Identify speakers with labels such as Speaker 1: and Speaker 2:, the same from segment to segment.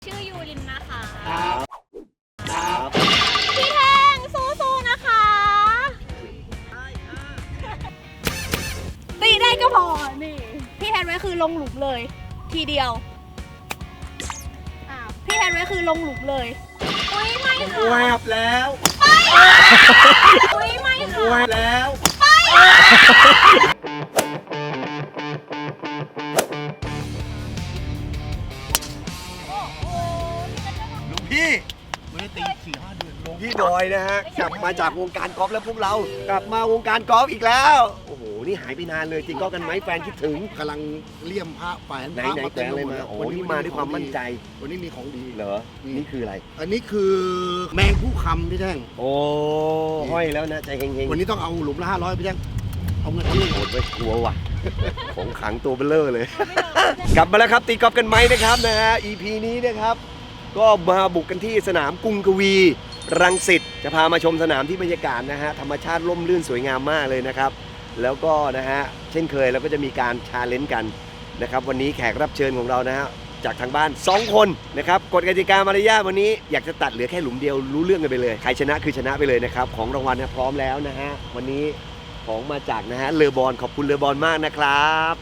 Speaker 1: ชื่อยูรินนะคะ
Speaker 2: ครับ
Speaker 1: พี่แทงสู้ๆนะคะตีได้ก็พอนี่พี่แทนไว้คือลงหลุมเลยทีเดียวพี่แทนไว้คือลงหลุมเลยอุ้ยไม่ค่ะ
Speaker 2: แวบแล้ว
Speaker 1: อุ้ยไม่ค่ะ
Speaker 2: แวบแล้วลุงพี่ไม่ได้ตี4-5 เดือนลุงพี่ดอยนะฮะกลับมาจากวงการกอล์ฟแล้วพวกเรากลับมาวงการกอล์ฟอีกแล้วโอ้โหนี่หายไปนานเลยตีกอล์ฟกันไหมแฟนคิดถึง
Speaker 3: กำลังเลี่ยมพระแฝง
Speaker 2: ไหน
Speaker 3: พระ
Speaker 2: แฟนอะไรมาโอ้นี่มาด้วยความมั่นใจ
Speaker 3: วันนี้มีของดี
Speaker 2: เหรอนี่คืออะไร
Speaker 3: อันนี้คือแมงผู้คำพี่แท่ง
Speaker 2: โอ้ห้อยแล้วนะใจเฮงๆ
Speaker 3: วันนี้ต้องเอาหลุมละ500พี่แท่งเอาเงินเอาเงิน
Speaker 2: โหดไปกลัวว่ะ ของขังตัวเบลเลอร์เลย กลับมาแล้วครับตีกอล์ฟกันไหมนะครับนะฮะ EP นี้นะครับ ก็มาบุกกันที่สนามกรุงกวีรังสิตจะพามาชมสนามที่บรรยากาศนะฮะธรรมชาติร่มรื่นสวยงามมากเลยนะครับ แล้วก็นะฮะเช่นเคยเราก็จะมีการชาเลนจ์กันนะครับวันนี้แขกรับเชิญของเรานะฮะจากทางบ้าน2 คนนะครับกฎกติกามารยาทวันนี้อยากจะตัดเหลือแค่หลุมเดียวรู้เรื่องกันไปเลยใครชนะคือชนะไปเลยนะครับของรางวัลนะพร้อมแล้วนะฮะวันนี้ของมาจากนะฮะเลอบอลขอบคุณเลอบอลมากนะครับ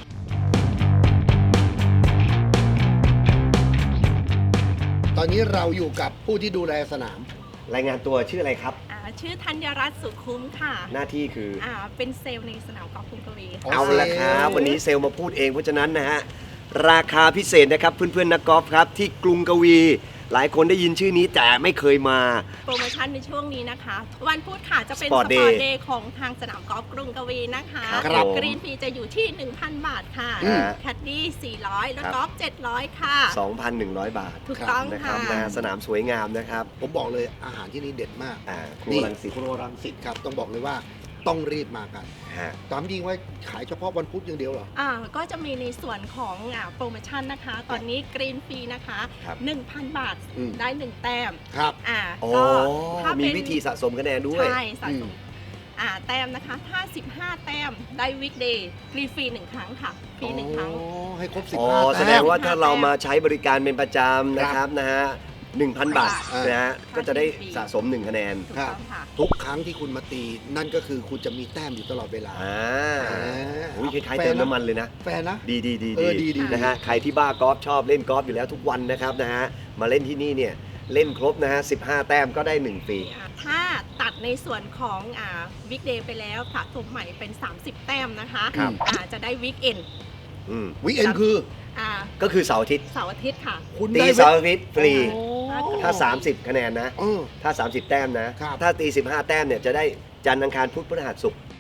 Speaker 3: ตอนนี้เราอยู่กับผู้ที่ดูแลสนาม
Speaker 2: รายงานตัวชื่ออะไรครับ
Speaker 1: ชื่อธัญรัตน์สุคุ้มค่ะ
Speaker 2: หน้าที่คือ
Speaker 1: เป็นเซลล์ในสนามกอล์ฟกรุงกวี
Speaker 3: อ๋อ
Speaker 2: เอาละครับวันนี้เซลล์มาพูดเองเพราะฉะนั้นนะฮะราคาพิเศษนะครับเพื่อนๆนักกอล์ฟครับที่กรุงกวี หลายคนได้ยินชื่อนี้แต่ไม่เคยมา
Speaker 1: โปรโมชั่นในช่วงนี้นะคะ วันพุธค่ะจะเป็น
Speaker 2: Sport
Speaker 1: สปอ
Speaker 2: Day
Speaker 1: ร์ตเดย์ของทางสนามกอล์ฟกรุงกวีนะคะ
Speaker 2: ครับ
Speaker 1: กรีนฟรีจะอยู่ที่ 1,000 บาทค่ะ
Speaker 2: อืม
Speaker 1: แคดดี้400 แล้วกอล์ฟ700 ค่ะ
Speaker 2: 2,100 บาท
Speaker 1: ถูกต้อง
Speaker 2: นะครั
Speaker 1: ค่ะ
Speaker 2: บนะสนามสวยงามนะครับ
Speaker 3: ผมบอกเลยอาหารที่นี่เด็ดมาก
Speaker 2: ครัวรังสิต
Speaker 3: ครัวรังสิตครับต้องบอกเลยว่าต้องรีบมากัน
Speaker 2: ฮะ
Speaker 3: ตามจริงว่าขายเฉพาะวันพุธอย่างเดียวเหรอ
Speaker 1: ก็จะมีในส่วนของโปรโมชั่นนะคะ ตอนนี้กรีนฟรีนะคะ
Speaker 2: ครับ
Speaker 1: 1,000 บาท
Speaker 3: อืม
Speaker 1: ได้ 1 แต้ม
Speaker 3: ครับ
Speaker 2: โอ้
Speaker 1: ก็ถ้า
Speaker 2: มี
Speaker 1: เป็น
Speaker 2: วิธีสะสมคะแนนด้วย
Speaker 1: ใช่สะสมแต้มนะคะ ถ้า 15 แต้มได้วิกเดย์กรีนฟรี1 ครั้งค่ะฟรี1 ครั้ง
Speaker 3: อ๋อให้ครบ
Speaker 2: อ๋อ
Speaker 3: 15
Speaker 2: แสดงว่าถ้าเรามาใช้บริการเป็นประจำนะครับนะฮะ 1,000 บาทนะฮะก็จะได้สะสม1 คะแนน
Speaker 1: ถูกต้องค่ะ
Speaker 3: ทุกครั้งที่คุณมาตีนั่นก็คือคุณจะมีแต้มอยู่ตลอดเวลา
Speaker 2: อุ้ยคล้ายๆเติมน้ำมันเลยนะ
Speaker 3: แฟนนะ
Speaker 2: ดี
Speaker 3: ดี
Speaker 2: นะฮะใครที่บ้ากอล์ฟชอบเล่นกอล์ฟอยู่แล้วทุกวันนะครับนะฮะมาเล่นที่นี่เนี่ยเล่นครบนะฮะ15 แต้มก็ได้1 ฟรี
Speaker 1: ถ้าตัดในส่วนของวิกเดย์ไปแล้วสะสมใหม่เป็น 30 แต้มนะคะ
Speaker 2: ครับ
Speaker 1: จะได้วิกเอน
Speaker 3: วิกเอนคือ
Speaker 2: ก็คือเสาร์อาทิตย์
Speaker 1: เสาร์อาทิตย์ค่ะ
Speaker 3: คุณ
Speaker 2: ตี
Speaker 3: ได้
Speaker 2: เสาร์อาทิตย์ฟรี
Speaker 3: โอ้
Speaker 2: ถ้า 30 คะแนนนะ
Speaker 3: เออ
Speaker 2: ถ้า 30 แต้มนะ
Speaker 3: ครับ
Speaker 2: ถ้าตี 15 แต้มเนี่ยจะได้จันทร์อังคารพุธพฤหัสศุกร์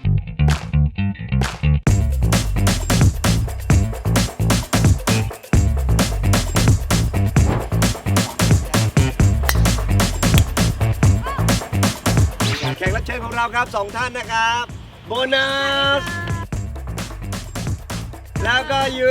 Speaker 2: แขกรับเชิญของเราครับ 2 ท่านนะครับ โบนัส แล้วก็ยู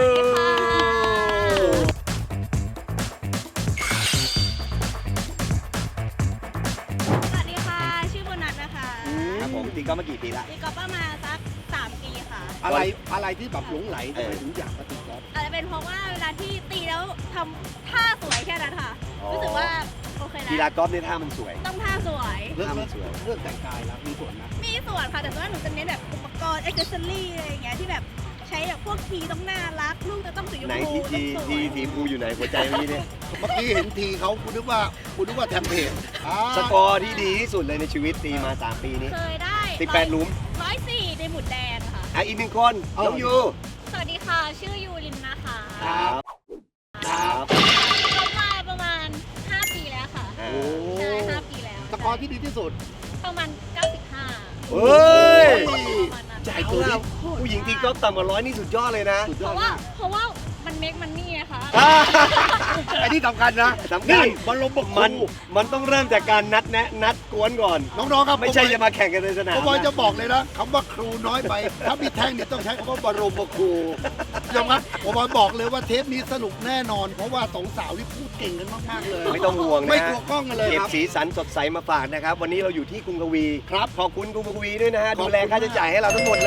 Speaker 1: สวัสดีค่ะ ชื่อโบนัสนะคะ
Speaker 2: ครับผมตีกอล์ฟมากี่ปีละ
Speaker 1: ตีกอล์ฟประมาณสัก3 ปีค่ะ
Speaker 3: อะไรที่แบบหลงไหล
Speaker 2: เออ
Speaker 3: ทำไมถึงอยากมาตีกอล์ฟ
Speaker 1: อาจจะเป็นเพราะว่าเวลาที่ตีแล้วทำท่าสวยแค่นั้นค่ะ รู้สึกว่าโอเค
Speaker 2: กี
Speaker 1: แล้
Speaker 2: ฬาว กอล์ฟเนี่ยท่ามันสวย
Speaker 1: ต้องท่าสวย
Speaker 3: เรื่อง
Speaker 2: ทำสวย
Speaker 3: เรื่องแต่งกายแล้วมีส่วนนะ
Speaker 1: มีส่วนค่ะ แต่ว่าหนูจะเน้นแบบอุปกรณ์เอ็กเซอรี่อะไรอย่างเงี้ยที่แบบใช้แบบพวกทีต้องน่ารัก ลูกจะต้องสีชม
Speaker 2: ไหน
Speaker 1: พู
Speaker 2: ที่
Speaker 1: ต้องสวย
Speaker 2: ที่สีฟูอยู่ไหนหัวใจเมื่อกี้เนี่ย
Speaker 3: เมื่อกี้เห็นทีเขาคุณนึกว่าแทมเพลต
Speaker 2: สกอร์ที่ดีที่สุดเลยในชีวิตตีมา 3 ปีนี้
Speaker 1: เคยได้
Speaker 2: 18 หลุม
Speaker 1: 104ในหมุดแดงค่ะ
Speaker 2: อีก1 คนน้องยู
Speaker 1: สวัสดีค่ะ ชื่อยูรินนะคะ
Speaker 2: ครับครับ
Speaker 1: ทำมาประมาณ 5 ปีแล้วค่ะ
Speaker 2: อ่า
Speaker 3: โอ้
Speaker 1: ใช่ 5 ปีแล้ว
Speaker 3: สกอร์ที่ดีที่สุด
Speaker 1: ประมาณ 95
Speaker 2: เฮ้ย
Speaker 1: ประมาณนั้น
Speaker 2: ใจตัวนี้ผู้หญิงตีกอล์ฟต่ำกว่า100นี่สุดยอดเลยนะ
Speaker 3: สุดย
Speaker 1: เพ
Speaker 3: อด
Speaker 1: ราะว่า
Speaker 3: มาก
Speaker 1: เพราะว่ามันเมคมันนี่ไงคะ
Speaker 3: อันนี้สำคัญนะ
Speaker 2: สำคัญ
Speaker 3: นี่มันลมบก
Speaker 2: มันต้องเริ่มจากการนัดแนะนัดกวนก่อน
Speaker 3: น้องๆครับ
Speaker 2: ไม่ใช่จะมาแข่งกันในสนาม
Speaker 3: ผมบอย
Speaker 2: นะ
Speaker 3: จะบอกเลยนะคำว่าครูน้อยไป ถ้ามีแท่งเนี่ยต้องใช้คำว่าบรมครูยอมรับผมบอยบอกเลยว่าเทปนี้สนุกแน่นอน เพราะว่าสองสาวที่พูดเก่งกันมากๆเลย
Speaker 2: ไม่ต้องห่วงนะ
Speaker 3: ไม่กลัวกล้องกันเลย
Speaker 2: เก็บ
Speaker 3: ครับ
Speaker 2: สีสันสดใสมาฝากนะครับ วันนี้เราอยู่ที่กรุงกวี
Speaker 3: ครับ
Speaker 2: ขอบคุณกรุงกวีด้วยนะฮะ
Speaker 3: ขอบคุณ
Speaker 2: ดูแลค่าใช้จ่ายให้เราทั้งหมดเลย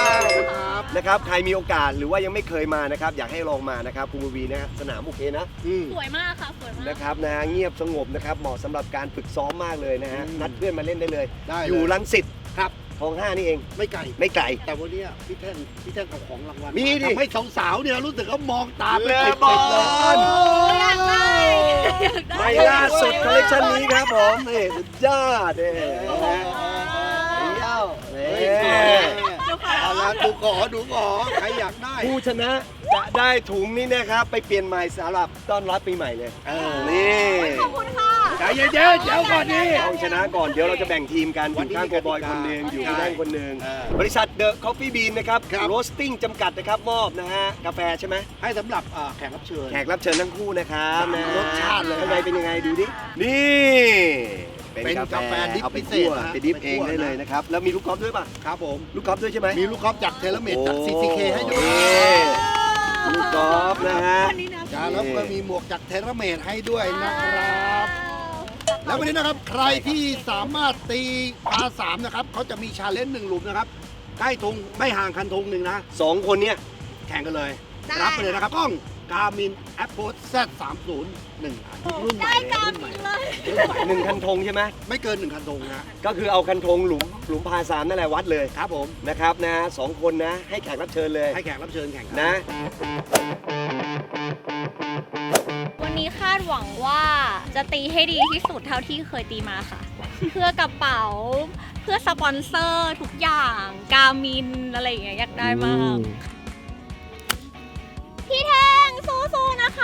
Speaker 3: ครับ
Speaker 2: นะครับใครมีโอกาสหรือว่ายังไม่เคยมานะครับอยากให้ลองมานะครับกรุงกวีนะฮะสนามโอเคนะ
Speaker 3: อื
Speaker 4: สวยมากค่ะสวยมาก
Speaker 2: นะครับนะฮะเงียบสงบนะครับเหมาะสำหรับการฝึกซ้อมมากเลยนะฮะนัดเพื่อนมาเล่นได้เลย
Speaker 3: ได้เลย
Speaker 2: อยู่รังสิต
Speaker 3: ครับ
Speaker 2: คลอง 5นี่เอง
Speaker 3: ไม่ไกล
Speaker 2: ไม่ไกล
Speaker 3: แต่วันเนี้ยพี่แท่งเอาของรางวัล
Speaker 2: มีดิ
Speaker 3: ทำให้สาวๆเนี่ยรู้สึกเขามองตา
Speaker 2: เล
Speaker 3: เป็น
Speaker 2: บอ
Speaker 3: เลย
Speaker 2: ล
Speaker 4: อยากได้
Speaker 2: ไม่ล่าสุดคอลเลคชันนี้ครับผมนี่สุดยอดเลยนะฮะเย้า
Speaker 3: เฮ้ย
Speaker 2: นี่
Speaker 3: แหมเอาละดูขอใครอยากได้
Speaker 2: ผู้ชนะจะได้ถุงนี้นะครับไปเปลี่ยนใหม่สำหรับต้อนรับปีใหม่เลยนี่
Speaker 4: ขอบคุณค่ะ
Speaker 3: ใจเย็นๆเดี๋ยวก่อนนี่
Speaker 2: ต้องชนะก่อนเดี๋ยวเราจะแบ่งทีมกันอยู่ข้างโกบอยคนหนึ่งอยู่ข้างด้านคนหนึ่งบริษัทเดอะคอฟฟี่บีนนะครับโรสติ้งจำกัดนะครับมอบนะฮะกาแฟใช่ไหม
Speaker 3: ให้สำหรับแขกรับเชิญ
Speaker 2: แขกรับเชิญทั้งคู่นะครับนะ
Speaker 3: รสชาติเลย
Speaker 2: ข้างในเป็นยังไงดูดินี่
Speaker 3: เป็นกาแฟดิบ
Speaker 2: เอาไป
Speaker 3: พิเศ
Speaker 2: คั่
Speaker 3: ษ
Speaker 2: ว
Speaker 3: นะ
Speaker 2: ไปดิฟเอง
Speaker 3: ไปคั่ว
Speaker 2: ได้เลยนะครับแล้วมีลูกกอล์ฟด้วยป่ะ
Speaker 3: ครับผม
Speaker 2: ลูกกอล์ฟด้วยใช่ไหม
Speaker 3: มีลูกกอล์ฟจากเทเลเมดจาก CCK ให้ด้วย
Speaker 2: ลูกกอล์ฟนะฮะ
Speaker 4: วันนี้นะ
Speaker 3: จ้าแล้วก็มีหมวกจากเทเลเมดให้ด้วยนะครับ แล้ววันนี้นะครับใครที่สามารถตีปาสามนะครับเขาจะมีชาเลนจ์1หลุมนะครับใกล้ธงไม่ห่างคันธงหนึ่งนะ
Speaker 2: สองคนเนี้ย
Speaker 3: แข่งกันเลย รับไปเลยนะครับกล้องกามินแอปโพส Z301 รุ่นใหม่
Speaker 4: ได้การบินเลย
Speaker 2: หนึ่งคันธงใช่ไหม
Speaker 3: ไม่เกิน1คันธงนะ
Speaker 2: ก็คือเอาคันธงหลุมพาสามนั่นแหละวัดเลย
Speaker 3: ครับผม
Speaker 2: นะครับนะสองคนนะให้แขกรับเชิญเลย
Speaker 3: ให้แขกรับเชิญแข่งกั
Speaker 2: นะ
Speaker 4: วันนี้คาดหวังว่าจะตีให้ดีที่สุดเท่าที่เคยตีมาค่ะ เพื่อกระเป๋า เพื่อสปอนเซอร์ทุกอย่างกามินอะไรอย่างเงี้ยอยากได้มาก พี่แทงสู้ๆนะคะ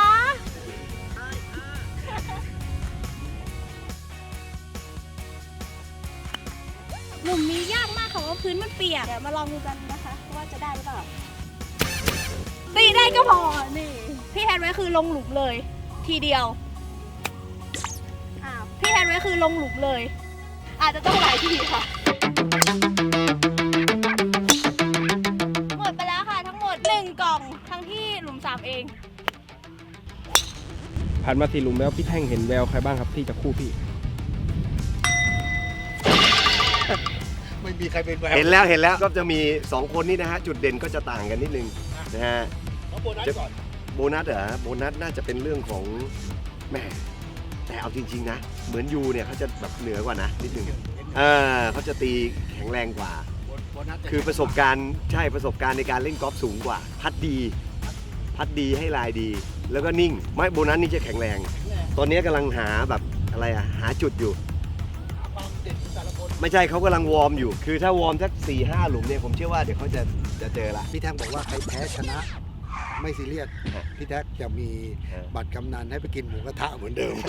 Speaker 4: หลุมนี้ยากมากค่ะว่าพื้นมันเปียกเดี๋ยวมาลองดูกันนะคะว่าจะได้หรือเปล่าตีได้ก็พอนี่พี่แทนไว้คือลงหลุมเลย ทีเดียวพี่แทนไว้คือลงหลุมเลย อาจจะต้องหลายทีค่ะหมดไปแล้วค่ะทั้งหมด1กล่องทั้งที่หลุม3เอง
Speaker 5: ผ่านมา4หลุมแล้วพี่แท่งเห็นแววใครบ้างครับที่จะคู่พี่
Speaker 3: ไม่มีใครเป็นแวว
Speaker 2: เห็นแล้วก็จะมีสองคนนี้นะฮะจุดเด่นก็จะต่างกันนิดนึงนะฮะ
Speaker 3: เอาโบนัสก่อน
Speaker 2: โบนัสเหรอโบนัสน่าจะเป็นเรื่องของแหมแต่เอาจริงๆนะเหมือนยูเนี่ยเขาจะแบบเหนือกว่านะนิดนึงเขาจะตีแข็งแรงกว่า
Speaker 3: โบนัสจ
Speaker 2: คือประสบการณ์ใช่ประสบการณ์ในการเล่นกอล์ฟสูงกว่า พัดดีให้ลายดี แล้วก็นิ่งไม่โบนัสนี่จะแข็งแรง ตอนนี้กำลังหาแบบอะไรอะหาจุดอยู่
Speaker 3: ความเด่นของแต่ละคน
Speaker 2: ไม่ใช่เขากำลังวอร์มอยู่ คือถ้าวอร์มสัก 4-5 หลุมเนี่ยผมเชื่อว่าเดี๋ยวเขาจะเจอละ
Speaker 3: พี่แท่งบอกว่าใครแพ้ชนะ ไม่ซีเรียสพี่แท็กจะมีบัตรกำนันให้ไปกินหมูกระทะเหมือนเดิม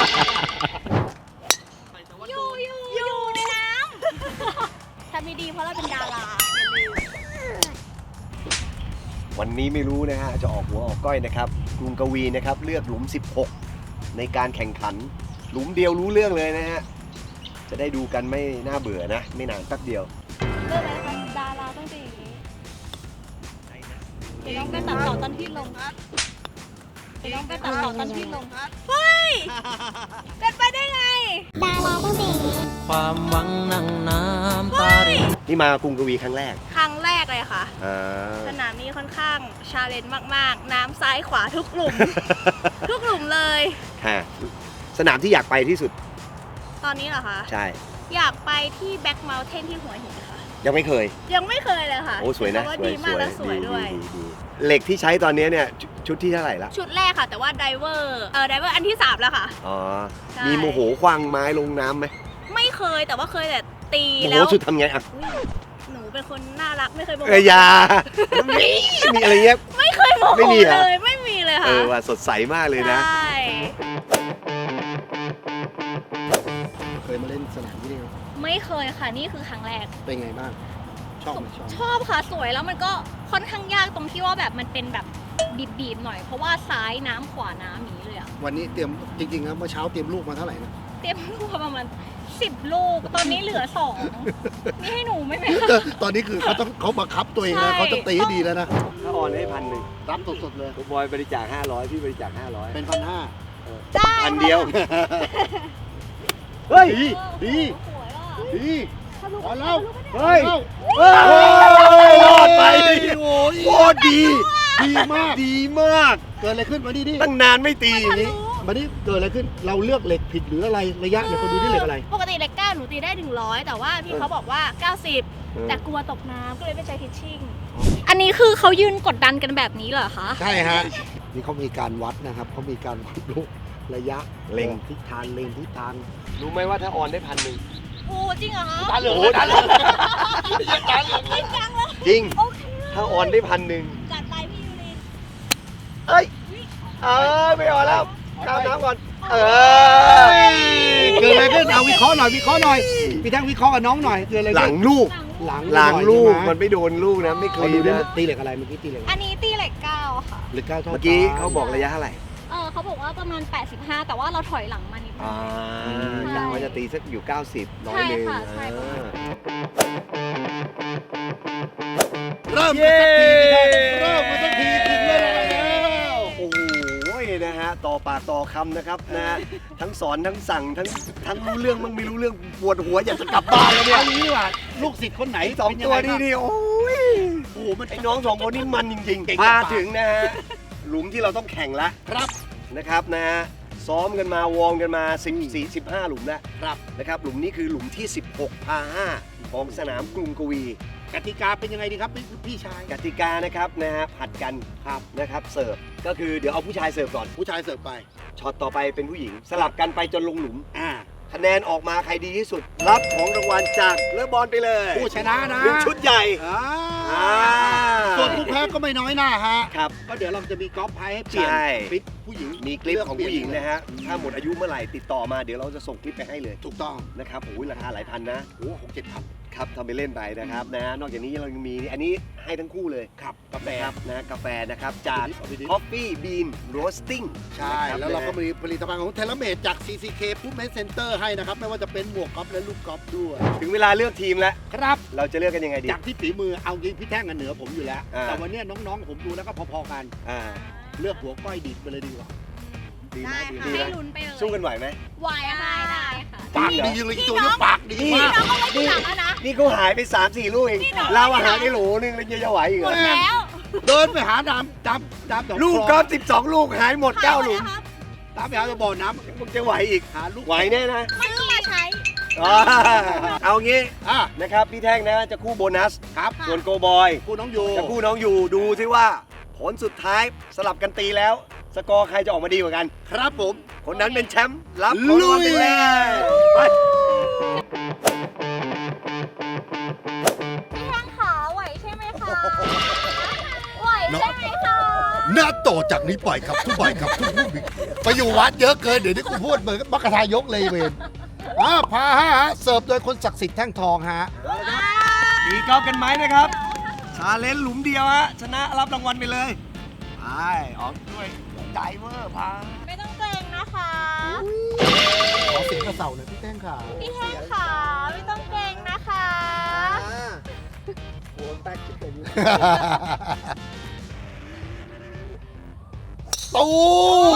Speaker 4: อยู่ในน้ำ ทำไม่ดีเพราะเราเป็นดาราอย่าลืม
Speaker 2: วันนี้ไม่รู้นะฮะจะออกหัวออกก้อยนะครับกรุงกวีนะครับเลือกหลุม 16 ในการแข่งขัน หลุมเดียวรู้เรื่องเลยนะฮะจะได้ดูกันไม่น่าเบื่อนะ ไม่นานแป๊บเดียว
Speaker 4: เรื่องอะไรคะดาราต้องเป็นอย่างนี้เดี๋ยวน้องไปตัดต่อตอนที่ลงเดี๋ยวน้องไปตัดต่อตอนที่ลงเฮ้ยเป็นไปได้ไง ดาราต้องเป็นอย่างนี้
Speaker 6: ความหวังนั่งน้ำตาริน
Speaker 2: นี่มากรุงกวีครั้งแรก
Speaker 4: ครั้งแรกเลยค่ะ
Speaker 2: อ่า
Speaker 4: สนามนี้ค่อนข้างชาเลนจ์มากๆ น้ำซ้ายขวาทุกหลุม ทุกหลุมเลย
Speaker 2: ฮะสนามที่อยากไปที่สุด
Speaker 4: ตอนนี้เหรอคะ
Speaker 2: ใช่
Speaker 4: อยากไปที่แบ็กเมลเทนที่หัวหินค่ะ
Speaker 2: ยังไม่เคย
Speaker 4: ยังไม่เคยเลยค่ะ
Speaker 2: โอ้สวยนะ
Speaker 4: เพราว่าดีมากและสวยด้วย
Speaker 2: ดีเหล็กที่ใช้ตอนนี้เนี่ยชุดที่เท่าไหร่ละ
Speaker 4: ชุดแรกค่ะ แต่ว่าไดเวอร์อันที่ 3 แล้วค่ะ
Speaker 2: อ๋อ
Speaker 4: ใช่
Speaker 2: มีโมโหควางไม้ลงน้ำไหม
Speaker 4: ไม่เคยแต่ว่าเคยแต่ตี
Speaker 2: โมโห
Speaker 4: แล้ว
Speaker 2: สุดทำไงอ่ะ
Speaker 4: อุ๊ยหนูเป็นคนน่ารักไม่เคยโมโห
Speaker 2: อยามีอะไรเงี้ย
Speaker 4: ไม่เคยโมโห
Speaker 2: ไม่มีเหรอ
Speaker 4: เลยไม่มีเลยค่ะ
Speaker 2: ว่าสดใสมากเลยนะ
Speaker 4: ใช่
Speaker 3: เคยมาเล่นสนามที่นี่ไหม
Speaker 4: ไม่เคยค่ะนี่คือครั้งแรก
Speaker 3: เป็นไงบ้าง ชอบไหมชอบ
Speaker 4: ชอบค่ะสวยแล้วมันก็ค่อนข้างยากตรงที่ว่าแบบมันเป็นแบบบีบๆหน่อยเพราะว่าซ้ายน้ำขวาน้ำอย่างนี้เลยอะ
Speaker 3: วันนี้เตรียมจริงๆนะเมื่อเช้าเตรียมลูกมาเท่าไหร่นะ
Speaker 4: เต็มลูกประมาณ10 ลูก ตอนนี้เหลือ 2 นี่ให้หนูไหมไหมคะ
Speaker 3: ตอนนี้คือเขาบังคับตัวเอง
Speaker 4: ใช่
Speaker 3: นะเขาต้องตีให้ดีแล้วนะ
Speaker 2: ถ้าออนให้1,000
Speaker 3: รับสดๆเลย
Speaker 2: คุณบอยบริจาค500พี่บริจาค500
Speaker 3: เป็น1,500
Speaker 4: ได้
Speaker 2: พันเดียว เฮ้ย
Speaker 3: ดี
Speaker 4: สวยอ่ะ
Speaker 3: ดี
Speaker 4: ทะลุ
Speaker 3: พอแล้ว
Speaker 2: เฮ้ย
Speaker 3: เอา
Speaker 2: เฮ้ยรอดไป
Speaker 3: โอ้ย
Speaker 2: โคตรดี
Speaker 3: ดีมาก
Speaker 2: ดีมาก
Speaker 3: เกิดอะไรขึ้นมานี่ดิ
Speaker 2: ตั้งนานไม่ตีอย่างนี้
Speaker 3: มานี่เกิดอะไรขึ้นเราเลือกเหล็กผิดหรืออะไรระยะเนี่ยคนดูที่เหล็กอะไร
Speaker 4: ปกติเหล็ก9หนูตีได้100แต่ว่าพี่เขาบอกว่า 90 แต่กลัวตกน้ำก็เลยไม่ใช้ทิชชิ่งอันนี้คือเขายืนกดดันกันแบบนี้เหรอคะ
Speaker 3: ใช่ฮะนี่เขามีการวัดนะครับเขามีการดูระยะ
Speaker 2: เล็ง
Speaker 3: ทิศทางเล็งทิศทาง
Speaker 2: รู้ไหมว่าถ้าออนได้1,000
Speaker 4: โอ้จริงเหรอคะ
Speaker 3: ตาเหลือง
Speaker 2: โอ้
Speaker 3: ตาเหลืองตาเหลือง
Speaker 4: จริงจังเลย
Speaker 2: จริง
Speaker 4: โอเค
Speaker 2: ถ้าออนได้1,000
Speaker 4: จัดไปพี่ยูริ
Speaker 2: เอ้ยไม่ออนแล้วข้ามน้ำก่อน
Speaker 3: เกิดอะไรขึ้นเอาวิเคราะห์หน่อยพี่แท่งวิเคราะห์กับน้องหน่อยเกิดอะไร
Speaker 2: หลั
Speaker 3: ขึ้
Speaker 2: ง
Speaker 3: น
Speaker 2: ลูก
Speaker 3: หลัง
Speaker 2: หลังลูก
Speaker 3: ใช่ไห
Speaker 2: มันไม่โดนลูกนะ ไม่เค
Speaker 3: ขอย ดูได้
Speaker 2: นะ
Speaker 3: ตีเหล็กอะไรเมื่อกี้ตีเหล็กอะไร
Speaker 4: อันนี้ตีเหล็ก9ค่ะ
Speaker 3: เหล็ก9เท่า
Speaker 2: เมื่อกี้เขาบอกระยะเท่าไหร่
Speaker 4: เขาบอกว่าประมาณ 85 แต่ว่าเราถอยหลังมานิดนึง
Speaker 2: กะว่าจะตีสักอยู่ 90น้อย
Speaker 4: ใช่
Speaker 2: หนึง
Speaker 4: ค่ะใช่ประมาณ
Speaker 3: เริ่ม
Speaker 2: เย้
Speaker 3: กันสักทีถึงเวลาแล้ว
Speaker 2: โอ้โหนะฮะต่อปากต่อคำนะครับนะทั้งสอนทั้งสั่งทั้งรู้เรื่องมั่งไม่รู้เรื่องปวดหัวอยากจะกลับบ้านแล้วเนี่ย
Speaker 3: เอางี้ดีกว่าลูกศิษย์คนไหน
Speaker 2: ไอ้สอง
Speaker 3: เป็นยั
Speaker 2: ตั
Speaker 3: ง
Speaker 2: ว
Speaker 3: ไง
Speaker 2: นี่
Speaker 3: บ้าง
Speaker 2: นี่โอ้ย
Speaker 3: โอ้โหมัน
Speaker 2: ไอ้น้องสองคนนี่มันจริง
Speaker 3: เก่ง
Speaker 2: ๆ
Speaker 3: จัง
Speaker 2: มาถึงนะฮะหลุมที่เราต้องแข่งละ
Speaker 3: ครับ
Speaker 2: นะครับนะฮะซ้อมกันมาวอร์มกันมา14-15 หลุมแล้ว
Speaker 3: ครับ
Speaker 2: นะครับหลุมนี้คือหลุมที่ 16 พา 5 ของสนามกรุงกวี
Speaker 3: กติกาเป็นยังไงดีครับพี่ชาย
Speaker 2: กติกานะครับนะฮะผัดกันครับนะครับเสิร์ฟก็คือเดี๋ยวเอาผู้ชายเสิร์ฟก่อน
Speaker 3: ผู้ชายเสิร์ฟไป
Speaker 2: ช็อตต่อไปเป็นผู้หญิง สลับกันไปจนลงหลุม
Speaker 3: อ่า
Speaker 2: คะแนนออกมาใครดีที่สุด รับของรางวัลจากเลอบอลไปเลย
Speaker 3: ผู้ชนะนะ
Speaker 2: หนึ่งชุดใหญ่
Speaker 3: อ่า
Speaker 2: อ่า
Speaker 3: ส่วนผู้แพ้ก็ไม่น้อยหน้าฮะ
Speaker 2: ครับ
Speaker 3: ก็เดี๋ยวเราจะมีกอล์ฟไพ่ให้เปลี่ยน
Speaker 2: ใช่
Speaker 3: คลิปผู้หญิง
Speaker 2: มีคลิปของผู้หญิงนะฮะถ้าหมดอายุเมื่อไหร่ติดต่อมาเดี๋ยวเราจะส่งคลิปไปให้เลย
Speaker 3: ถูกต้อง
Speaker 2: นะครับโอ้ยราคาหลายพันนะ
Speaker 3: โอ้6-7 พัน
Speaker 2: ครับทำไปเล่นไปนะครับนะนอกจากนี้เรายังมีอันนี้ให้ทั้งคู่เลย
Speaker 3: ครับกาแฟ
Speaker 2: นะครับนะกาแฟนะครับจาก
Speaker 3: เอาไปดิ
Speaker 2: Coffee Bean Roasting
Speaker 3: ใช่
Speaker 2: นะครับ
Speaker 3: แล้วเราก็
Speaker 2: นะ
Speaker 3: มีผลิตภัณฑ์ของเทเลเมดจาก CCK Footman Center ให้นะครับ ไม่ว่าจะเป็นหมวกกอล์ฟและลูกกอล์ฟด้วย
Speaker 2: ถึงเวลาเลือกทีมแล้ว
Speaker 3: ครับ
Speaker 2: เราจะเลือกกันยังไงดี
Speaker 3: จากที่ฝีมือเอาจริงพี่แท่งกันเหนือผมอยู่แล้ว
Speaker 2: อ่า
Speaker 3: แต่วันเนี้ยน้องๆผมดูแล้วก็พอๆกัน
Speaker 2: อ่า
Speaker 3: เลือกหัวก้อยดิบไปเลยดีกว่า
Speaker 2: ดีไหม
Speaker 4: ได้
Speaker 2: ดี
Speaker 4: ค่ะ
Speaker 2: ไหม
Speaker 4: ให้ลุ้นไปเลย
Speaker 2: สู้กันไหวไหม
Speaker 4: ไหวได้ค่ะ
Speaker 3: ปากดีเลยตัวนี้ปากดี
Speaker 4: พี่
Speaker 3: มาก
Speaker 4: น้องก็ไม่ทีหลังแล้วนะ
Speaker 2: นี่เขาหายไป 3-4 ลูกเอง เราอาหารได้โหลนึงแล้วจะไหวอีกเหรอ
Speaker 4: แล้ว
Speaker 3: เดินไปหาน้ำดำ
Speaker 2: ลูกกอล์ฟ12 ลูกหายหมด 9 หลุม
Speaker 3: ตามไปหาบ่อน้
Speaker 2: มึงจะไหวอีก
Speaker 3: ำหาลูก
Speaker 2: ไหวแน่นะ
Speaker 4: ซื้อมาใช้
Speaker 2: อ่าเอางี้
Speaker 3: อ่ะ
Speaker 2: นะครับพี่แท่งนะจะคู่โบนัส
Speaker 3: ครับ
Speaker 2: ส่วนโกบอย
Speaker 3: คู่น้องโย
Speaker 2: จะคู่น้องอยู่ดูซิว่า ผลสุดท้ายสลับกันตีแล้ว สกอร์ใครจะออกมาดีกว่ากัน
Speaker 3: ครับผม
Speaker 2: คนนั้นเป็นแชมป์รับของรางวัลไปเลยไป
Speaker 4: พี่แท่งขาไหวใช่ไหมคะไหวใช่ไหมคะ
Speaker 3: หน้าต่อจากนี้ไปครับทุกบ่ายครับทุกผู้บิไปอยู่วัดเยอะเกินเดี๋ยวนี้กูพูดเหมือนมักกะทายกเลยเวนพาฮะเสิร์ฟโดยคนศักดิ์สิทธิ์แท่งทองฮะ
Speaker 2: ตีกอล์ฟกันไหมนะครับ ชาเลนจ์หลุมเดียวฮะชนะรับรางวัลไปเลยไปออกด้วยใจเวอร์พา
Speaker 4: ไม่ต้องเกรงนะคะ
Speaker 3: ขอเสียงกระเสาหน่อยพี่แท่งขา
Speaker 4: พี่แท่งขาไม่ต้องเกรงนะคะ
Speaker 2: โอ้แตกขึ้นไปอยู่
Speaker 3: ตูม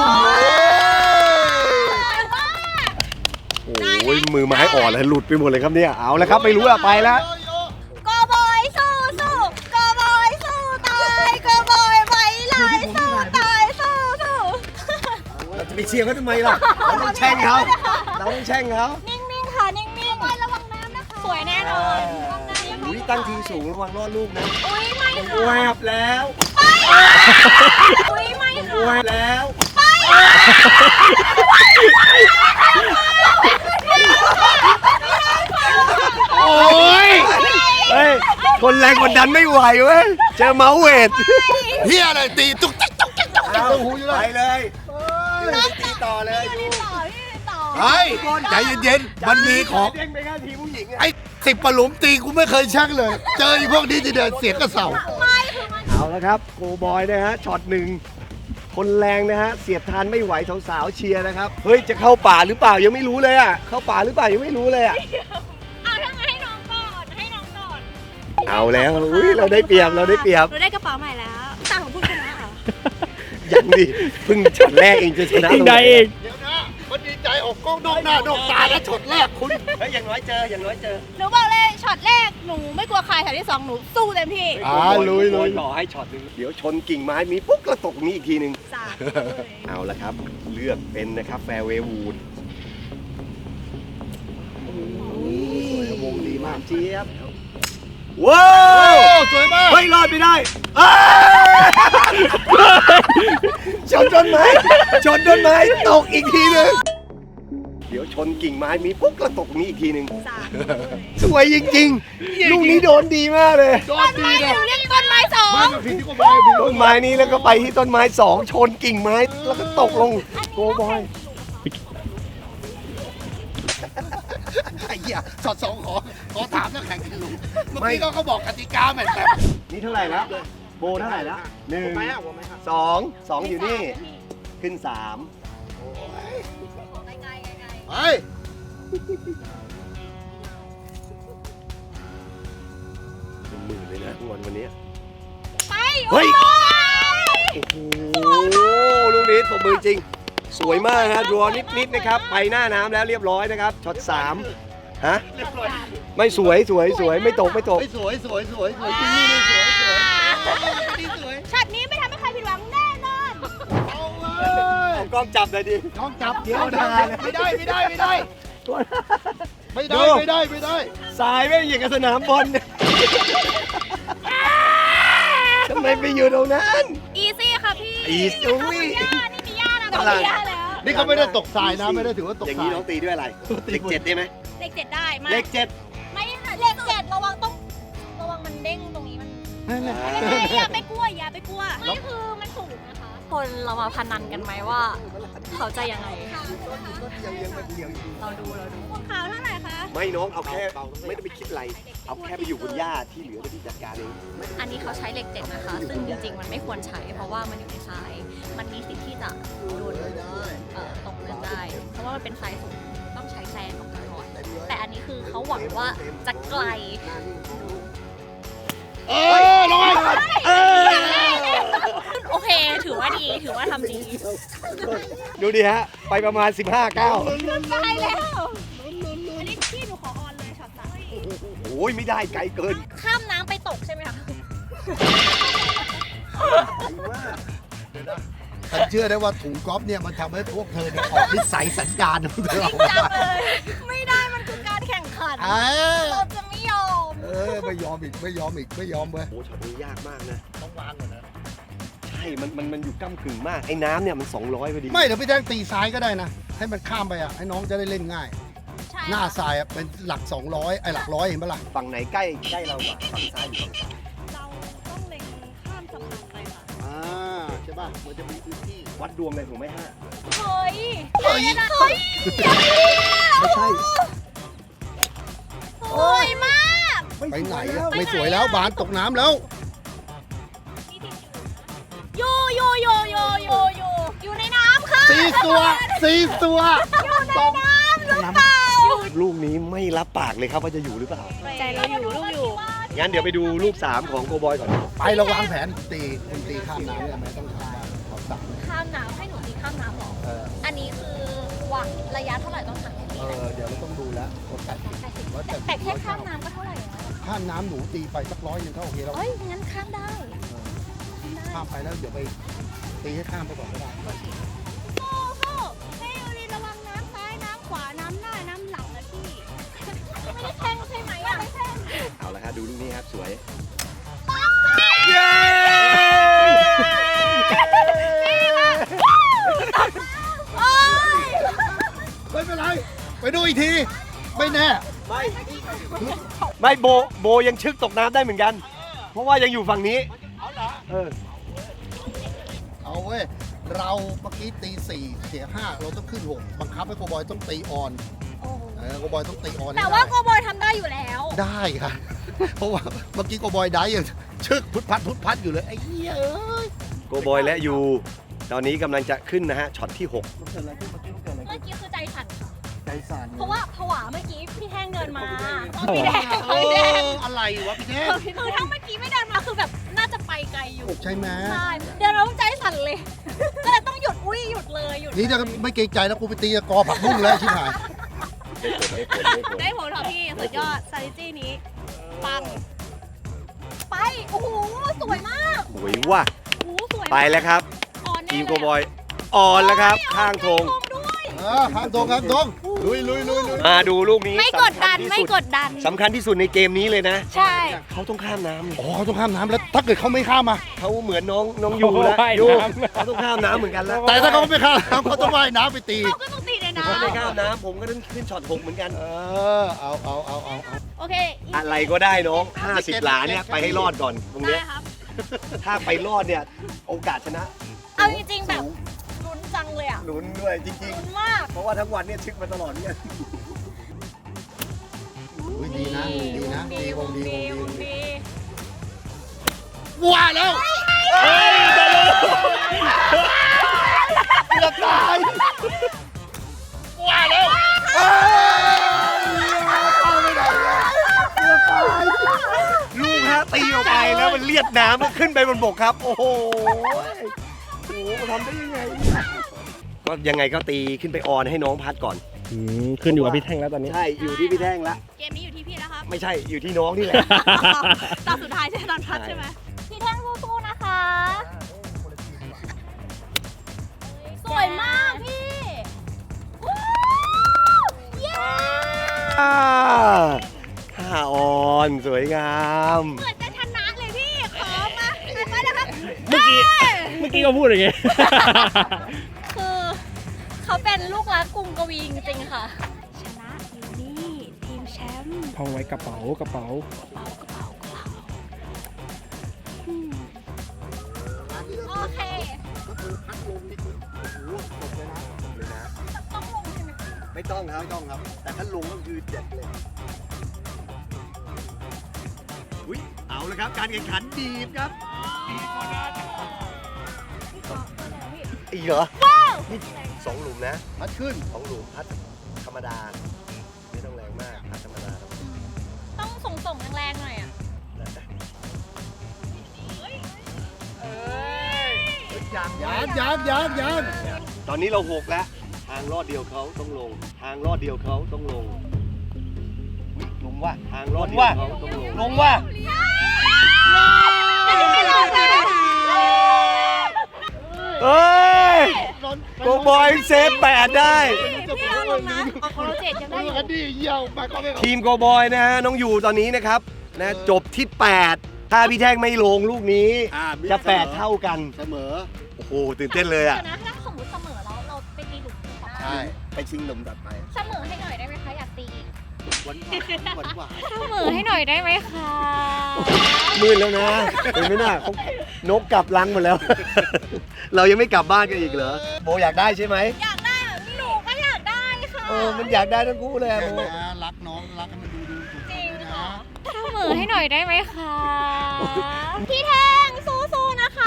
Speaker 2: โอ้ยมือไม้อ่อนเลยหลุดไปหมดเลยครับเนี่ยเอาแล้วครับไม่รู้อะไปแล้ว
Speaker 4: โกบอยสู้สู้โกบอยสู้ตายโกบอยไว้ลายสู้ตายสู้สู้
Speaker 2: เราจะไปเชียร์เขาทำไมล่ะเราต้องแช่งเขาเราต้องแช่งเขา
Speaker 4: นิ่งๆค่ะนิ่งๆระวังน้ำนะคะสวยแน่นอนระวังน้ำยังไง
Speaker 2: อุ้ยตั้งทีสูงระวังรอดลูกนะ
Speaker 4: อุ้ยไม่
Speaker 2: แว
Speaker 4: ค่ะ
Speaker 2: บแล้ว
Speaker 4: อุ้ยไม่
Speaker 2: แว
Speaker 4: ค่ะ
Speaker 2: บแล้วโอ้ยเฮ้ยคนแรงกดดันไม่ไหวเว้ยเจอเมาส์เวท
Speaker 3: เฮียอะไรตีตุ๊กติ๊กตุ๊กติ๊กตุ๊กติ๊ก
Speaker 2: เอา
Speaker 3: ตุ๊กหูอยู่เล
Speaker 2: ไป
Speaker 3: ย
Speaker 2: เลยตีต่อเลยดู
Speaker 4: ต่อพี่ต่อ
Speaker 3: เฮ้ยใจเย็นๆมันมีของ
Speaker 2: เด้งไปแค่ทีผู้หญิงอะ
Speaker 3: ไอ้10 ปะหลุมตีกูไม่เคยช่างเลย เจอไอ้พวกนี้ที่เดินเสียงกระเสา
Speaker 4: ไม่คือมัน
Speaker 2: เอาแล้วครับโกบอยนะฮะช็อตหนึ่งคนแรงนะฮะเสียบทานไม่ไหวสาวๆเชียร์นะครับเฮ้ยจะเข้าป่าหรือเปล่ายังไม่รู้เลยอ่ะเข้าป่าหรือเปล่ายังไม่รู้เลยอ่ะ
Speaker 4: เอาถ้างั้นให้น้องก่อนให้น้องก่อน
Speaker 2: เอาแล้วอุ้ยเราได้เปรียบเราได้เปรียบ
Speaker 4: เราได้กระเป๋าใหม่แล้วต่างของผู้ชนะเหรอ
Speaker 2: ยังดิเพิ่งช็อตแรกเองจะชนะ
Speaker 5: เองได้เอง
Speaker 3: เดี๋ยวนะมันดีใจออกกล้องนอกหน้านอกตาแล้วช็อตแรกคุณ
Speaker 2: เฮ้ยอย่างน้อยเจออย่างน้อยเจอ
Speaker 4: หนูบอกเลยช็อตแรกหนูไม่กลัวใครช็อตที่ 2 หนูสู้เต็มที่
Speaker 3: ลุย
Speaker 2: ขอให้ช็อตหนึงเดี๋ยวชนกิ่งไม้มีปุ๊บก็ตกนี้อีกทีหนึ่ง
Speaker 4: สาด
Speaker 2: เอาละครับ เลือกเป็นนะครับแฟร์เวย์วูดวงดีมากเจี๊ยบว้าว
Speaker 3: สวยมาก
Speaker 2: เฮ้ยรอดไม่ได้อ้าชนต้นไม้ตกอีกทีหนึงเดี๋ยวชนกิ่งไม้มีปุ๊บก็ตกนี้อีกทีหนึ่ง
Speaker 4: สาด
Speaker 2: สวยจริงๆ ลูกนี้โดนดีมากเลย
Speaker 3: โดนดีนะ
Speaker 4: หนูเรียกต้นไม้สอง
Speaker 3: ไม่มาผิดที่โกบอยผิด
Speaker 2: ต้นไม้นี้แล้วก็ไปที่ต้นไม้สองชนกิ่งไม้แล้วก็ตกลงโกบอย
Speaker 3: ไอ้เหี้ยช็อต 2ขอถามนักแข่งกันลุงเมื่อกี้เขาบอกกติกาแบบ
Speaker 2: นี่เท่าไหร่แล้วโบเท่าไหร่แล้วหนึ่ง
Speaker 3: ไปอ่ะผมไหมครับ
Speaker 2: สองอยู่นี่ขึ้นสาม
Speaker 4: ไกล
Speaker 3: ไป
Speaker 2: เป็นหมื่นเลยนะวันนี้
Speaker 4: ๆไป
Speaker 2: เฮ้ย โอ้โหลูกนี้ตบมือจริง สวยมากฮะดรอนิดนะครับ ไปหน้าน้ำแล้วเรียบร้อยนะครับช็อต3ฮะไม่สวยไม่ตก
Speaker 3: สวยจริงนี่สวยสวย
Speaker 4: ช็อตนี้ไม่ทำให้ใครผิดหวังแน่นอน
Speaker 3: เอาเล
Speaker 2: เอากล้องจับเลยดิ
Speaker 3: ท้องจับเดี๋ยวไม่ได้
Speaker 2: สายไม่อย่างกับสนามบอลเนี่ยทำไมไปอยู่ตรงนั้น
Speaker 4: อีซี่ค่ะพี่
Speaker 2: อีซี่
Speaker 4: นี่มีย่านะมีย่าแล้ว
Speaker 3: นี่เขาไม่ได้ตกทรายนะไม่ได้ถือว่าตก
Speaker 2: อย่าง
Speaker 3: ทรา
Speaker 2: นี้
Speaker 3: ย
Speaker 2: น้องตีด้วยอะไรเลข7ได้ไหม
Speaker 4: เลข 7 ได้มา
Speaker 2: เลข
Speaker 4: ไม่เลข 7ระวังมันเด้งตรงนี้มัน
Speaker 3: นั่นแหละ
Speaker 4: อย่าไปกลัวไม่คือมันสูงนะคะ คนเรามาพนันกันไหมว่า เขาจะยังไงเราดูพวกเขาเท่าไหร่คะ
Speaker 2: ไม่น้องเอาแค่ไม่ต้องไปคิดอะไร เอาแค่ไปอยู่บนหญ้าที่เหลือไปที่จัดการเอง
Speaker 4: อันนี้เขาใช้เลข 7 นะคะ ซึ่งจริงๆมันไม่ควรใช้ เพราะว่ามันอยู่ในทราย มันมีสิทธิ์ที่จะโดนตกเลือดได้ เพราะว่ามันเป็นทรายสูงต้องใช้แซนออกมาก่อนแต่อันนี้คือเขาหวังว่าจะไกล
Speaker 3: ลงไป
Speaker 4: โอเค ถือว่าดี ถือว่าทำดี
Speaker 2: ดูดิฮะ ไปประมาณ 15 ก้าว
Speaker 4: ตายแล้ว อันนี้พี่หนูขอออนเลยช็อต3
Speaker 2: โอ้ยไม่ได้ไกลเกิน
Speaker 4: ข้ามน้ำไปตกใช่ไหมคะ
Speaker 3: ฉันเชื่อได้ว่าถุงก๊อฟเนี่ยมันทำให้พวกเธอเนี่ยออกนิสัยสัญญาณของเธอออก
Speaker 4: จั
Speaker 3: มา
Speaker 4: งเลย ไม่ได้มันคือการแข่งขัน เราจะไม่ยอม
Speaker 3: ไม่ยอมไม่ยอมเว้ย
Speaker 2: โอ้ช็อตนี้ยากมากนะ
Speaker 3: ต้องวางก่อนนะ
Speaker 2: ใช่ มันอยู่ก้ำกึ่งมาก ไอ้น้ำเนี่ยมัน200พอดี
Speaker 3: ไม่เดี๋ยวพี่แท่งตีซ้ายก็ได้นะ ให้มันข้ามไปอ่ะให้น้องจะได้เล่นง่าย
Speaker 4: ใช่
Speaker 3: หน้าทรายอ่ะเป็นหลัก 200ไอ้หลักร้อยเห็นปะล่ะ
Speaker 2: ฝั่งไหนใกล้เรากว่าฝั่งซ้ายหรือฝั่งขวา
Speaker 4: เราต้องเล็งข้ามสะพานไปค่ะ
Speaker 3: ใช่ป่ะมันจะมีพื้นที่
Speaker 2: วัดดวงเลยถูกไหมฮะ
Speaker 4: เฮ้ย
Speaker 3: เฮ้ย
Speaker 2: ไม่ใช่
Speaker 4: สวยมาก
Speaker 3: ไปไหนอะไม่สวยแล้วบานตกน้ำแล้ว
Speaker 4: อยู่ในน้ำค่ะ
Speaker 3: 4 ตัว
Speaker 4: อยู่ในน้ำหรือเปล่า
Speaker 2: ลูกนี้ไม่รับปากเลยครับว่าจะอยู่หรือเปล่า
Speaker 4: ใจเราอยู่ลูกอยู่
Speaker 2: งั้นเดี๋ยวไปดูลูก 3 ของโกบอยก่อน
Speaker 3: ไปเราวางแผนคุณตีข้ามน้ำเนี่ยไม่ต้องข้ามบ้านขอสั่ง
Speaker 4: ข้ามน้ำให้หนูตีข้ามน้ำหรอ อันนี้คือวังระยะเท่าไหร่ต้องหักให้ตี
Speaker 3: เดี๋ยวเราต้องดูแล้วว่า80
Speaker 4: แต่แค่ข้ามน้ำก็เท่าไหร่แล้ว
Speaker 3: ข้ามน้ำหนูตีไปสัก100ยังก็โอเคแล้ว
Speaker 4: เอ้ยงั้นข้ามได้
Speaker 3: ข้ามไปแล้วเดี๋ยวไปตีให้ข้ามไปก่อนก็ได้
Speaker 4: ให้ยูรีระวังน้ำซ้ายน้ำขวาน้ำหน้าน้ำหลังนะพี่ไม่ได้แข่งใช่ไหมอ่ะไม่แข่ง
Speaker 2: เอาละครับดูลูกนี้ครับสวย
Speaker 3: เย้ไม่เป็นไร ไปดูอีกที ไม่แน่
Speaker 2: ไม่โบยังชึกตกน้ำได้เหมือนกัน เพราะว่ายังอยู่ฝั่งนี้เออ
Speaker 3: เอาเว้ย เราเมื่อกี้ตี4เสีย5เราต้องขึ้น6บังคับให้โกบอยต้องตีออนโกบอยต้องตีออนให้
Speaker 4: แต่ว่า
Speaker 3: ได้
Speaker 4: โกบอยทำได้อยู่แล้ว
Speaker 3: ได้ค่ะ เพราะว่าเมื่อกี้โกบอยได้ยังชึกพุทพัดอยู่เลยไอ้เหี้ยเอ้ย
Speaker 2: โกบอยและยูตอนนี้กำลังจะขึ้นนะฮะช็อตที่ 6
Speaker 3: มันเกิดอะไรขึ้นเมื่อกี้มันเกิดอะไร
Speaker 4: เมื่อกี้คือใจสั่นค่ะ
Speaker 3: ใจสั่น
Speaker 4: เพราะว่าผวาเมื่อกี้พี่แท่งเดินมา
Speaker 5: ผวา
Speaker 4: พี่แดง
Speaker 3: เอ
Speaker 4: พี่แดง
Speaker 3: ออะไรวะพี่เท่ง
Speaker 4: คือถ้าเมื่อกี้ไม่เดินมาคือแบบน่าจะไปไกลอยู่
Speaker 3: ใช่ไหม
Speaker 4: ใช่เดินแล้วใจสั่นเลย ก็เลยต้องหยุดเลยหยุด
Speaker 3: นี่ถ้าไม่เกรงใจแล้วกูไปตีกอผักบุ้งแล้วชิบหาย
Speaker 4: ได้ผลค่ะพี่สุดยอด strategy นี้ปังไปโอ้โหสวยมาก
Speaker 2: สวยว่ะ
Speaker 4: โอ้โหสวย
Speaker 2: ไปแล้วครับ
Speaker 4: อ่อนแน่
Speaker 2: ทีม
Speaker 4: เลย
Speaker 2: โกบอยออนแล้วครับ ข้างธง
Speaker 4: ด้วย
Speaker 3: ข้างตรงครับตรงลุย
Speaker 2: มาดูลูกนี้
Speaker 4: ไม่กดดัน
Speaker 2: สำคัญที่
Speaker 4: ไม่
Speaker 2: สุ
Speaker 4: กดดัน
Speaker 2: สำคัญที่สุดในเกมนี้เลยนะ
Speaker 4: ใช่
Speaker 2: เขาต้องข้ามน้ำ
Speaker 3: อ๋อต้องข้ามน้ำแล้วถ้าเกิดเขาไม่ข้ามมา
Speaker 2: เขาเหมือนน้องยูแล้ว
Speaker 5: ว่าย
Speaker 2: ยู
Speaker 5: น้ำ
Speaker 2: เขาต้องข้ามน้ำเหมือนกันแล้ว
Speaker 3: แต่ถ้าเขาไม่ข้ามน้ำเขาต้องว่ายน้ำไปตี
Speaker 4: เราก็ต้องตีในน้
Speaker 2: ถ้าไม่ข้ามน้ำผมก็ต้องขึ้นช็อต6เหมือนกัน
Speaker 3: เอา
Speaker 4: ำโอเค
Speaker 2: อะไรก็ได้น้อง 50 หลาเนี่ยไปให้รอดก่อนตรง
Speaker 4: ได้
Speaker 2: เนี้ย
Speaker 4: ครับ
Speaker 2: ถ้าไปรอดเนี่ยโอกาสชนะ
Speaker 4: เอาจริงๆแบบลุ้นจังเลยอ่ะ
Speaker 2: ลุ้นด้วยจริง
Speaker 4: ลุ้นมาก
Speaker 2: ๆ เพราะว่าทั้งวันเนี่ยชึกมาตลอดเนี่ย
Speaker 3: ดีนะดีวงดี
Speaker 4: ดี
Speaker 3: ว่าแล้วจะตายว่าแล้วเข้าไม่ได้จะตาย
Speaker 2: ลูกฮะตีออกไปแล้วมันเลียดน้ำมันขึ้นไปบนบกครับ โอ้โหทำได้ยังไงเนี่ยก็ยังไงก็ตีขึ้นไปออนให้น้องพัดก่อน
Speaker 5: ขึ้นอยู่กับพี่แท่งแล้วตอนนี้
Speaker 2: ใช่อยู่ที่พี่แท่งละ
Speaker 4: เกมนี้อยู่ที่พี่แล้วครับ
Speaker 2: ไม่ใช่อยู่ที่น้องนี่แหละ
Speaker 4: ตอนสุดท้ายใช่ตอนพัดใช่ไหมพี่แท่งสู้ๆนะคะ สวยมากพี่วู้เย้
Speaker 2: ท่าออนสวยงาม
Speaker 4: เหมือนจะชนะเลยพี่ ขอมาไปแล้วครับ
Speaker 5: เมื่อกี้ก็พูดอย่างงี้
Speaker 4: คือเขาเป็นลูกรักกรุงกวีจริงๆค่ะ ชนะอยู่นี่ทีมแชมป์
Speaker 5: ท่องไว้กระเป๋า
Speaker 4: โอเค ต้องลงใช่ไหม
Speaker 2: ไม่ต้องครับ แต่ถ้าลงก็คือเจ็ดเลยอุ้ยเอาเลยครับ การแข่งขันดีบครับอีกเหรอ
Speaker 4: ว้าว
Speaker 2: นี่2 หลุมนะ
Speaker 3: พัดขึ้น
Speaker 2: 2 หลุมพัดธรรมดา ไม่ต้องแรงมากพัดธรรมดา
Speaker 4: ต้องส่งแรงๆหน่อยอ่ะ
Speaker 2: แล้วแต่
Speaker 3: ยัง
Speaker 2: ตอนนี้เรา6แล้ว ทางลอดเดียวเขาต้องลง ทางลอดเดียวเขาต้องลงอุ๊ยลงว่ะทางลอดเดียวเขาต้องลง
Speaker 3: ลงว่ะ
Speaker 2: เฮ้ยโกบอยเซฟ8ได้
Speaker 4: พี่เอาลงนะเอาของเรา7ยังได้อยู่
Speaker 3: ดีเยี่ยวมาก็ไม่
Speaker 2: ทีมโกบอยนะฮะน้องอยู่ตอนนี้นะครับนะจบที่ 8 ถ้าพี่แท่งไม่ลงลูกนี้ จะ 8 เท่ากัน
Speaker 3: เสมอ
Speaker 2: โอ้โหตื่นเต้นเลยอ่ะ
Speaker 4: เดี๋ยวนะถ้าสมมติเสมอเราไปตีหลุมต่อ
Speaker 3: ใช่
Speaker 2: ไปชิงหนุ่มตัดไป
Speaker 4: เสมอให้หน่อยได้ไหมคะอยากตีอีก
Speaker 3: หวานหวาน
Speaker 4: เสมอให้หน่อยได้ไหมคะ
Speaker 2: มืดแล้วนะเห็นไหมน่ะเขานกกลับรังหมดแล้ว เรายังไม่กลับบ้านกันอีกเหรอโบอยากได้ใช่ไหม
Speaker 4: อยากได้แบบหนูก็อยากได้ค่ะ
Speaker 2: มันอยากได้ทั้งคู่เลยอะโบ
Speaker 3: รักน้องรักให้มันดู
Speaker 4: จริงค่ะเสมอให้หน่อยได้ไหมคะพี่แท่งสู้ๆนะคะ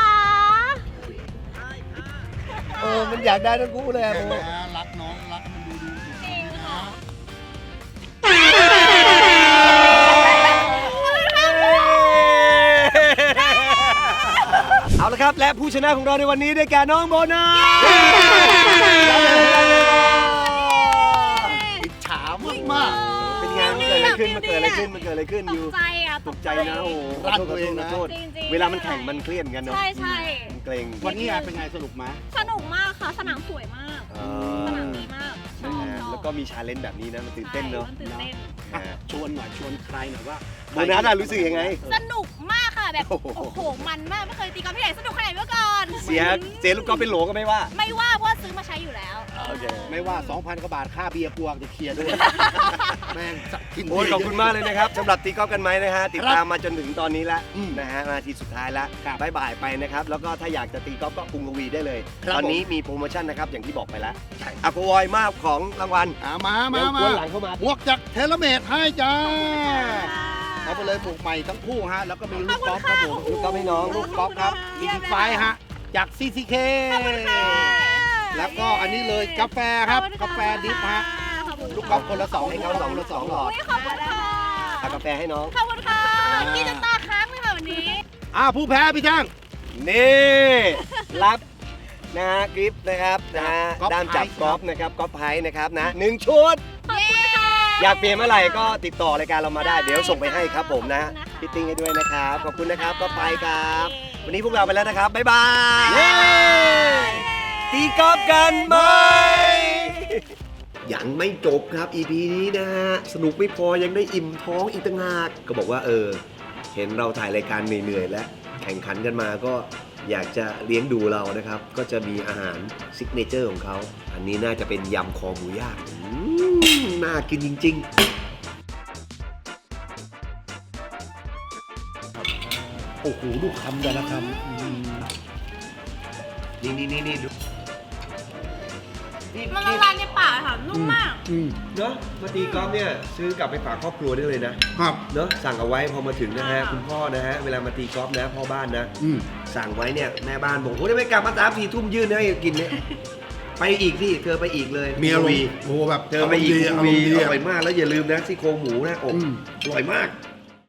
Speaker 2: มันอยากได้ทั้งคู่เลยอะโบ
Speaker 3: รักน้องรักให้มันดู
Speaker 4: จริงค่ะ
Speaker 2: เอาละครับและผู้ชนะของเราในวันนี้ได้แก่น้องโบนัสอิจฉามากๆเป็นไงมันเกิดอะไรขึ้นอยู่
Speaker 4: ตกใจอ่ะ
Speaker 2: ตกใจนะโอ้โห
Speaker 3: รันตัวเองนะ
Speaker 2: ขอโทษ
Speaker 4: จริงๆ
Speaker 2: เวลามันแข่งมันเครียดกันเนาะ
Speaker 4: ใช่ใช่
Speaker 2: มันเกรง
Speaker 3: วันนี้เป็นไงสนุกไหม
Speaker 4: สนุกมากค่ะ สนามสวยมาก สนามดีมากช
Speaker 2: นะ
Speaker 4: อบ
Speaker 2: ฮะ
Speaker 4: ชอบ
Speaker 2: แล้วก็มีชาเลนจ์แบบนี้นะมันตื่นเต้นเนาะ
Speaker 4: ใช่มัตื่นเต้น
Speaker 3: ชวนหน่อยชวนใครหน่อยว่า
Speaker 2: โบนัสอะรู้สึกยังไง
Speaker 4: สนุกมากค่ะแบบ
Speaker 2: โอ้โห
Speaker 4: โอ้โหมันมากไม่เคยตีกอล์ฟที่ไหนสนุกขนาดนี้มาก่อน
Speaker 2: เสียลูกกอล์ฟเป็นโหลก็ไม่ว่า
Speaker 4: ไม่ว่าเพราะว่าซื้อมาใช้อยู่แล้ว
Speaker 2: โอเค
Speaker 3: ไม่ว่า 2,000 กว่าบาทค่าเบียร์พวงจะเคลียร์ด้วยแม่งกิน
Speaker 2: โอ้ยขอบคุณมากเลยนะครับสำหรับตีกอล์ฟกันไหมนะฮะติดตามมาจนถึงตอนนี้แล้วนะฮะมาทีสุดท้ายแล้วบายบายไปนะครับแล้วก็ถ้าอยากจะตีกอล์ฟก็กรุงทวีได้เลย ตอนนี้มีโปรโมชั่นนะครับอย่างที่บอกไปแล้วอะโกวอยมากของรางวัล
Speaker 3: มา
Speaker 2: เดี๋ยวกวนหลังเข้ามา
Speaker 3: บวกจากเทเลเมดให้จ้าเอาไปเลยปลูกใหม่ทั้งคู่ฮะแล้วก็มีลูกกอล์ฟครับผม
Speaker 2: ลูกกอล์ฟให้น้อง
Speaker 3: ลูกกอล์ฟครับมีดีไฟฮะจาก CCK แล้วก็อันนี้เลยกาแฟครับกาแฟดิฟฮะลูกกอล์ฟคนละ2
Speaker 2: ให้เขาคนละ2 หลอด
Speaker 4: ขอบคุณค่ะ
Speaker 2: เอากาแฟให้น้อง
Speaker 4: ขอบคุณค่ะกินจนตาค้างเลยค่ะวันนี้
Speaker 3: ผู้แพ้พี่ช่าง
Speaker 2: นี่รับนะฮะกิฟต์นะครับนะฮะ
Speaker 3: กอล์ฟ
Speaker 2: ด้ามจับ
Speaker 3: ไพรส์
Speaker 2: กอล์ฟนะครับกอล์ฟไพรส์นะครับนะ1 ชุด
Speaker 4: ขอบคุณค่ะ
Speaker 2: อยากเปลี่ยนเมื่อไหร่ก็ติดต่อรายการเรามาได้เดี๋ยวส่งไปให้ครับผมนะพี่ติ้งให้ด้วยนะครับขอบคุณนะครับก็ไปครับ วันนี้พวกเราไปแล้วนะครับบ๊ายบายตีกอล์ฟกันไหมยังไม่จบครับ EP นี้นะฮะสนุกไม่พอยังได้อิ่มท้องอีกต่างหากก็บอกว่าเห็นเราถ่ายรายการเหนื่อยๆและแข่งขันกันมาก็อยากจะเลี้ยงดูเรานะครับ ก็จะมีอาหารซิกเนเจอร์ของเขาอันนี้น่าจะเป็นยำคอหมูย่างน่ากินจริงๆ
Speaker 3: โอ้โหดูคำแต่ละคำ
Speaker 2: นี่ดู
Speaker 4: มันละลายในปากค่ะ นุ่มมาก
Speaker 2: เนอะมาตีกอล์ฟเนี่ยซื้อกลับไปฝากครอบครัวได้เลยนะครับ เนอะสั่งเอาไว้พอมาถึงนะฮะคุณพ่อนะฮะเวลามาตีกอล์ฟนะพ่อบ้านนะสั่งไว้เนี่ยแม่บ้านบอกโอ้ยไม่กลับมา3-4 ทุ่มยื่นให้กินเนี่ยไปอีกสิเธอไปอีกเลย
Speaker 3: มีอารมณ์โอ้โหแบบ
Speaker 2: เธอไปอีก
Speaker 3: อารมณ์ดี
Speaker 2: อร่อยมากแล้วอย่าลืมนะซี่โครงหมูนะอร่อยมาก